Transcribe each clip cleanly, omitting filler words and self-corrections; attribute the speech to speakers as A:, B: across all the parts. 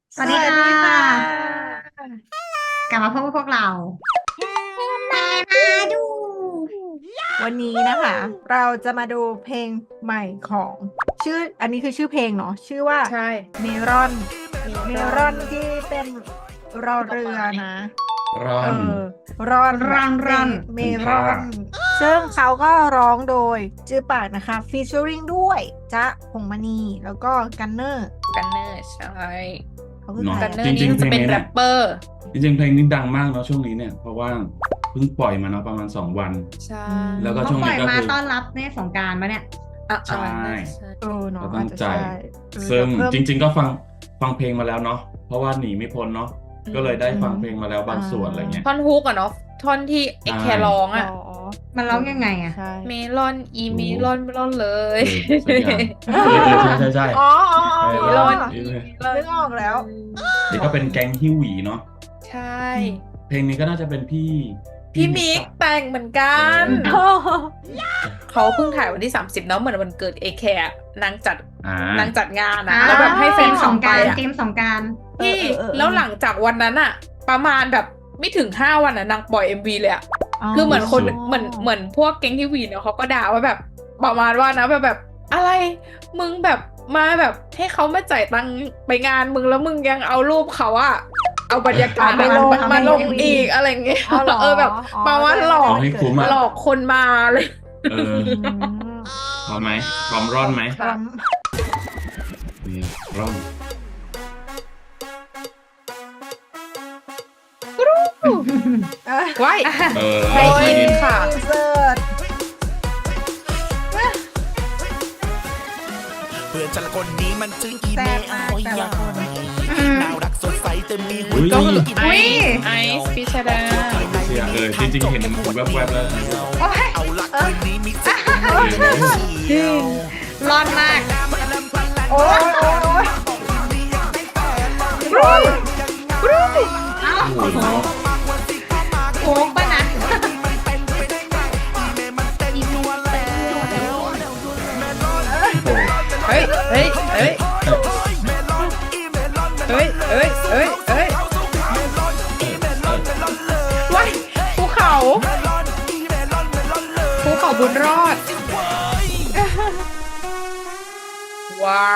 A: สวัสดีค่ะกลับมาพบกับพวกเรามาดู
B: วันนี้นะคะ เราจะมาดูเพลงใหม่ของอันนี้คือชื่อเพลงเนาะชื่อว่า
C: ใช่
B: เมรอนที่เป็นรอเรือนะ
D: ร่อ
B: เอน อรอนเมรอนซึ่งเขาก็ร้องโดยจือปากนะคะฟีเจอริงด้วยจ๊ะพงษ์มณีแล้วก็กันเนอร์
C: กันเนอร์ใช่
B: เขาคือ
D: เนาะ
B: ใคร
C: กันเนอ
D: จ
C: ร์
D: ริ
C: นี่
D: งๆเพล
C: จะ
D: ง
C: เป็น
D: นี้
C: แร
D: เนี่ย
C: ปเปอร์
D: จริงๆเพลงนี้ดังมากเนาะช่วงนี้เนี่ยเพราะว่าเพิ่งปล่อยมาเนาะประมาณ2 วัน
C: ใช่
D: แล้วก็
A: เขา
D: ช่วง
A: ปล่
D: นี้
A: อย
D: ก็
A: มา
D: คือ
A: ต้อนรับในสงกรานต์มาเนี่ย
D: ใช่
B: เนาะ
D: ก็ตั้งใจ
B: อาจจะช่
D: ซึ่ง
B: เพิ่ม
D: จริง ๆ ก็ฟังเพลงมาแล้วเนาะเพราะว่าหนีไม่พ้นเนาะก็เลยได้ฟังเพลงมาแล้วบางส่วนอะไรเงี้ย
C: ท่อนฮุกอะเนาะท่อนที่ไอ้แคร์ร้องอะ
A: มันร้องยังไงอะ
B: ใช่
C: เมลอนอีเมลอนเมลอนเลย
D: สักอย่างใช่
B: อ๋อ
D: เม
C: เม
D: ล
C: ล
D: อ
C: อน น
B: นึกออกแล้ว
D: นี่ก็เป็นแก๊งฮิวหวีเนาะ
C: ใช่
D: เพลงนี้ก็น่าจะเป็นพี่
C: พี่มิก
D: อะ
C: แต่งเหมือนกัน
D: เออ
C: เขาเพิ่งถ่ายวันที่30เนาะเหมือนวันเกิดเอแคร์นางจัด
D: อ่า
C: นางจัดงานอะแล้วแบบให้แฟน
A: ส
C: คลับ
A: งก
C: ไป
A: รานต์
C: อะ
A: เกมสงกรานต์
C: พี่
B: เออ
C: แล้วหลังจากวันนั้นอะประมาณแบบไม่ถึง5 วันอะนางปล่อย MV เลยอะคือเหมือนคน
D: สุด
C: เหมือนพวกแก๊งทีวีเนี่ยเขาก็ด่าว่าแบบประมาณว่านะแบบอะไรมึงแบบมาแบบให้เขามาจ่ายตังค์ไปงานมึงแล้วมึงยังเอารูปเขาอะเอาบรรยากาศมาลงอีกอะไรเงี้ย
B: เอาเหรอ
C: แบบ
B: อ๋อ
C: มาว่าหลอก
D: เอาให้คุ้มอะ
C: หลอกคนมาเลย
D: เออพร้อมไหมพร้อมร่อนไหม
C: ค่ะ
D: นี่ร่อน
C: ไว้
D: เออ
C: ได้ยิน
D: ได้ยิน
C: ค่ะ
B: เสิร์ช
E: เพื่อนฉันละคนนี้มันจึงอี
B: แซ่
E: เม
B: บ
E: ล
B: มาก
E: โอ้ย
B: แต่ละคน
E: น่ารักสดใสแต่มีหัว
D: อุ้ย
E: ใจกิน
C: อุ้ย
E: แมว
C: ไอซ์พิชดา
D: เสียจริงๆเห็นแวบๆแล้ว
E: เอาละคืนนี้มีสักคนเดียว
A: ร้อนมาก
B: โอ้ยโอ้ย
A: เอ้า
D: โอ้โห
A: โค้งปะนะ
C: เฮ้ยเฮ้ยเฮ้ยเฮ้ยเฮ้ยเฮ้ยเฮ้ยว้ายภูเขาบุญรอด ว้าว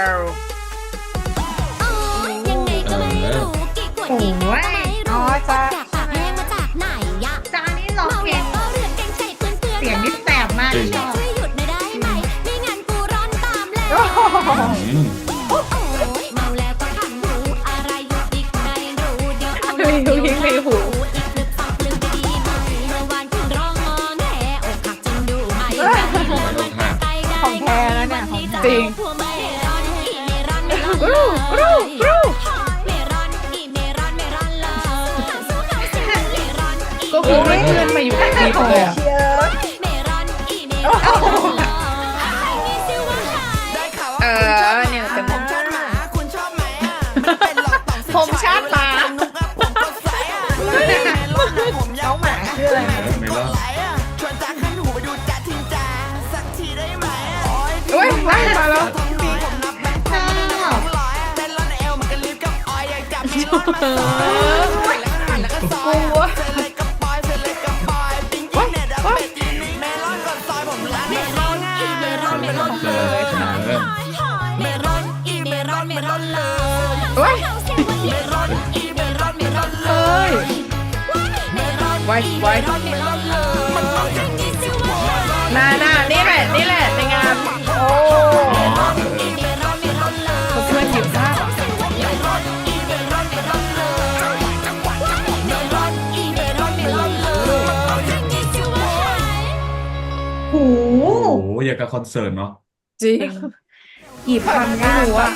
F: ยังไงก็ไม่รู้กี่ขวดกี่ขวดก็ไม่รู้ออกจากปากแห้งมาจากไหนยะ
A: จานี่ร้อง
F: เมา
A: เพล
F: แล้ว
A: ง
F: ก็เรือนแกงใส่เพื่อนเพื่อน
A: เสียงนี่แสบมากชอบ
F: ช่วยหยุดหน่อยได้ไหมไม่งั้นกูร้อนตามแล้ว
D: อืม
F: โอ้ยเมาแล้วก็ขันหูอะไรอยู่อีกไม่รู้เดี๋ยวเอา
C: ไม่รู้ยิ่งไม่หู
F: อีกลึกฟังลึกดีไหมเมื่อวานคุณร้องงอแงอกหักจริงดูไหมมันใจได้
B: ของแท้แล้วเนี่ยของแท้
C: จริง
F: พวกเมรอนอีเมรอนเมรอน
C: กรูกรูกรู
F: เมรอนอีเมรอนเมรอนเลยสู้เขาสิเมรอนอี
C: ก็คือไม่เพื่อนมาอยู่ในคลิปเลยอะ
B: เชียร์
F: เมรอนอีเมรอนเลยมีซิว่าหาย
E: ได้ข่าวว่า
C: เนี่ยเป็น
E: ผมชอบหมาคุณชอบไหมอ่ะไม่เป็นหรอกต้อง
C: ผมชาติหมา
E: ผมกดไลค์อ่ะผมยาวหมา
B: ชื่ออะไรนะ
D: ไม่รอด
E: ไลค์อ่ะชวนจ้าขึ้นหูไปดูจ้าทิงจ้าสักทีได้ไหมอ่ะ
C: เฮ้ยไล่มาแล้ว
E: ทั้งปีผมนับแบงค์พันไม่นับ200อ่ะเต้นร้อนเอวมันก็ลิฟต์กับออยอยากจับมีร้อนมาซอยแล้วก็หั่นแล้วก็ซอยอ่ะเธอเลยกับปอยเธอเลยกับปอยปิ้งกินเน็ตอัปเดตทีนี้เมลอนก่อนซอยผมร้าน
F: เม
E: เม
F: ร
E: ล
F: อ
E: อน น
F: อีเมรอนเมรอน
D: เจ
F: เล
D: อย เจอ
F: เมรอนอีเมรอนเมรอนเลย
C: เฮ้ย
F: เมรอนอีเมรอนเมรอนเล
C: เฮ้ย
F: เมรอน
C: ไว้ไว้
F: เมรอนเลยมันร้องอย่างนี้สิวะ
C: น่านี่แหละในงาน
B: โอ้
D: อ๋อ
F: เมรอนเมรอนเลย
C: ผมเพื่อนหยิบผ้า
F: เมรอนอีเมรอนเมรอนเลยเมรอนอีเมรอนเมรอนเลยมันร้องอย่างนี้สิวะ
A: หู
D: โอ้โหอยากกับคอนเสิร์ตเนาะ
C: จริงหยิบพันไม่รู้อะ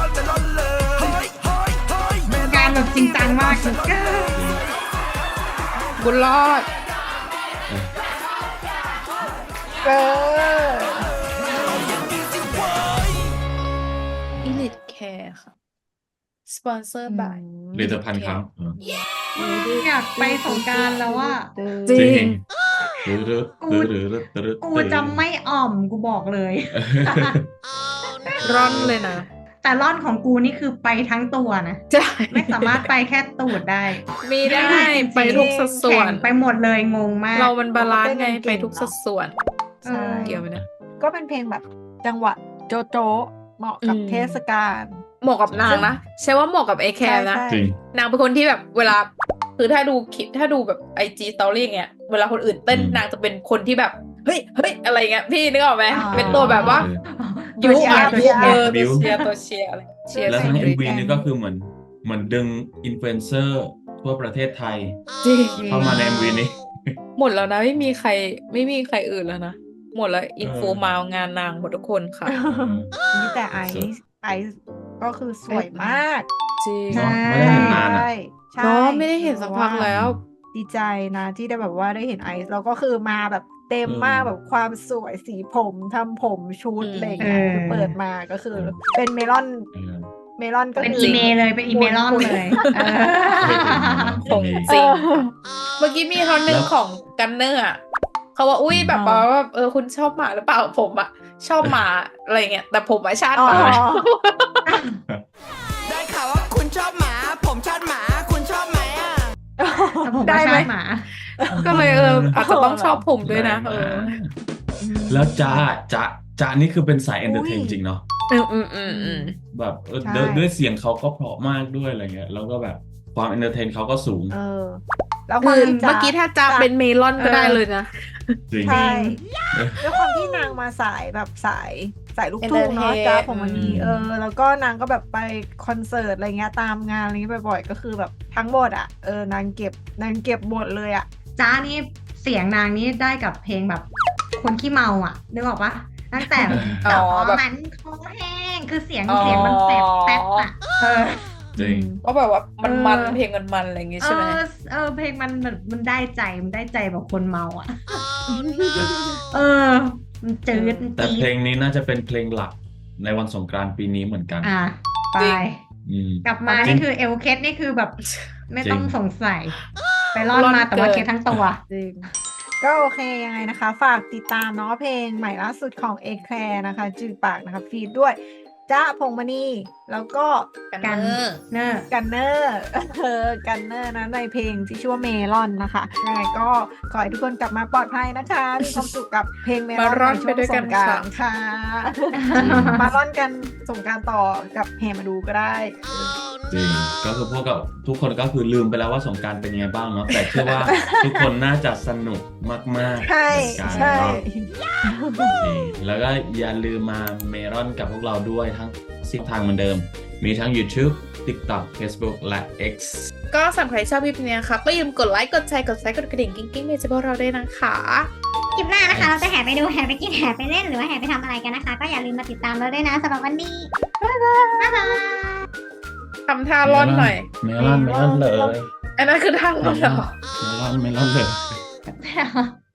A: การแบบจริงจังมาก
C: บุญรอด
B: เออ
C: Elite Care ค่ะ สปอนเซอร์บาย
D: เรียนพันครั้ง
A: อยากไปสงกรานต์แล้วว่า
C: จริง
A: กูจะไม่อ่อมกูบอกเลย
C: ร่อนเลยนะ
A: แต่แต่ร่อนของกูนี่คือไปทั้งตัวนะ
C: ใช่
A: ไม่สามารถไปแค่ตูดได้
C: มีได้ไปทุกสัดส่วน
A: แข่งไปหมดเลยงงมาก
C: เรามันบาลานซ์ไงไปทุกสัดส่วน
B: ใช่
C: เกี่ยวไหมนะ
B: ก็เป็นเพลงแบบจังหวะโจโจะเหมาะกับ
C: อืม
B: เทศกาล
C: เหมาะกับนางนะใช่ว่าเหมาะกับไอแคร์นะ
B: ใช่
D: จริง
C: นางเป็นคนที่แบบเวลาคือถ้าดูคลิปถ้าดูแบบIG Story อย่างเงี้ยเวลาคนอื่นเต้น
D: อืม
C: นางจะเป็นคนที่แบบเฮ้ยอะไรเงี้ยพี่นึกออกไหม
B: อ่า
C: เป็นตัวแบบว่า
A: ตัวเชียร์
C: อ่ะ
A: ตัวเชียร์
C: ตัวเชียร์ตัวเชียร์อะไรเชียร์
D: แล้วทั้ง
C: เชียร์
D: MV นี่ก็คือเหมือนดึงอินฟลูเอนเซอร์ทั่วประเทศไทย
C: จริง
D: เข้ามาใน MV นี้
C: หมดแล้วนะไม่มีใครอื่นแล้วนะหมดแล้วอินฟูมางานนางหมดทุกคนค่ะ
B: นี่แต่ไอซ์ก็คือสวยมาก
C: จริง
D: เนอะไม่ได้เห็นนานอะ
B: ใช่
C: เนาะไม่ได้เห็นสักพักแล้ว
B: ดีใจนะที่ได้แบบว่าได้เห็นไอซ์แล้วก็คือมาแบบเต็มมากแบบความสวยสีผมทำผมชุดอะไรอย่างเงี้ยคือเปิดมาก็คือเป็นเมลอน
D: เออ
B: เมลอนก็
A: เป็น
B: คื
A: อีเมลเลยเป็นอีเมลอนเลยเออ
C: ของจริง เมื่อกี้มีท่อนหนึ่งของกันเนอร์อะเขาว่าอุ้ยแบบว่าคุณชอบหมาหรือเปล่าผมอะชอบหมาอะไรเงี้ยแต่ผมอะชาติ
B: อ๋อ
C: หมา
E: ได้ข่าวว่าคุณชอบหมา ผมชอบหมา คุณชอบไหมอ่ะ
A: แต่ผม
C: ได้
A: ว่า
C: ไหม
A: ชาติหมา
C: ก็เลยอาจจะต้องชอบผมด้วยนะ
D: ได้มาแล้วจ๊ะนี่คือเป็นสายเอนเตอร์เทนจริงเนาะ
C: อืม
D: แบบ
B: ใช่
D: ด้วยเสียงเขาก็เพราะมากด้วยอะไรเงี้ยแล้วก็แบบความเอนเตอร์เทนเขาก็สูง
B: แล้วค
C: คื
B: วาม
C: อ
B: ที่
C: เมื่อกี้ถ้าจะเป็นเมลอนก็ได้เลยนะ
D: จริง
B: ใช่ด้วยความที่นางมาสายแบบสายลูกทุ่งเนาะ
C: Entertain
B: จ้าผมวันนี้
D: อืม
B: แล้วก็นางก็แบบไปคอนเสิร์ตอะไรเงี้ยตามงานอะไรเงี้ยบ่อยๆก็คือแบบทั้งหมดอ่ะนางเก็บหมดเลยอ่ะ
A: จ้านี่เสียงนางนี่ได้กับเพลงแบบคนขี้เมาอ่ะนึกออกปะตั้งแต่
C: อ๋อแบบ
A: มันคอแห้งคือเสียงมันแป๊บอ่ะ
D: จริง
C: ก็แบบว่ามันเพลงมันอะไรอย่างงี้ใช่ไหม
A: เพลงมันได้ใจแบบคนเมาอ่ะ มันจืดมัน
D: แต่
A: จี๊
D: เพล
A: ด
D: งนี้น่าจะเป็นเพลงหลักในวันสงกรานต์ปีนี้เหมือนกัน
A: ไป
C: จริง
D: อืม
A: กลับมา
D: จริ
A: นี่
D: ง
A: คือเอลเคสนี่คือแบบไม่ต้อง
D: จริง
A: สงสัย ไปร่อนมาแต่ว่าเคสทั้งตัว
B: จริงก็โอเคยังไงนะคะ ฝากติดตามเนาะเพลงใหม่ล่าสุดของเอแคร์นะคะ จือปากนะคะฟีดด้วยจ๊ะพงษ์มณีแล้วก็
C: กันเนอร์
A: เนอร์
B: กันเนอร์กันเนอร์นะในเพลงที่ชื่อว่าเมลอนนะคะยังไงก็ขอให้ทุกคนกลับมาปลอดภัยนะคะมีความสุขกับเพลงเมลอน
C: มาร่อน
B: ในช่วง
C: ไปด้วย
B: ส
C: กัน
B: งกรานต์
C: ค่ะ
B: ค่ะมาร่อนกันสงกรานต์ต่อกับแฮมาดูก็ได้
D: จริงก็คือพวกกับทุกคนก็คือลืมไปแล้วว่าสงกรานต์เป็นยังไงบ้างเนาะแต่เชื่อว่าทุกคนน่าจะสนุกมากๆ
B: ใช่
D: เหมือนกัน
B: ใช่
D: เนาะนี่แล้วก็อย่าลืมมาเมรอนกับพวกเราด้วยทั้ง10ทางเหมือนเดิม มีทั้ง YouTube TikTok Facebook และ X
C: ก็สำหรับใครชอบคลิปนี้นะคะก็อย่าลืมกดไลค์กดแชร์กดซับกดกระดิ่งกิ๊งๆเมจพวกเราด้วยนะคะ
G: คลิปหน้านะคะ เราจะแห่ไปดูแห่ไปกินแห่ไปเล่นหรือว่าแห่ไปทำอะไรกันนะคะ ก็อย่าลืมมาติดตามเราด้วยนะสำหรับวันนี้ บ๊ายบาย
C: ทำท่าร่อนหน่อย
D: เมลอนเลย
C: อันนั้นคือท่าร่อนเหรอ
D: เมลอนเลย
A: Yeah.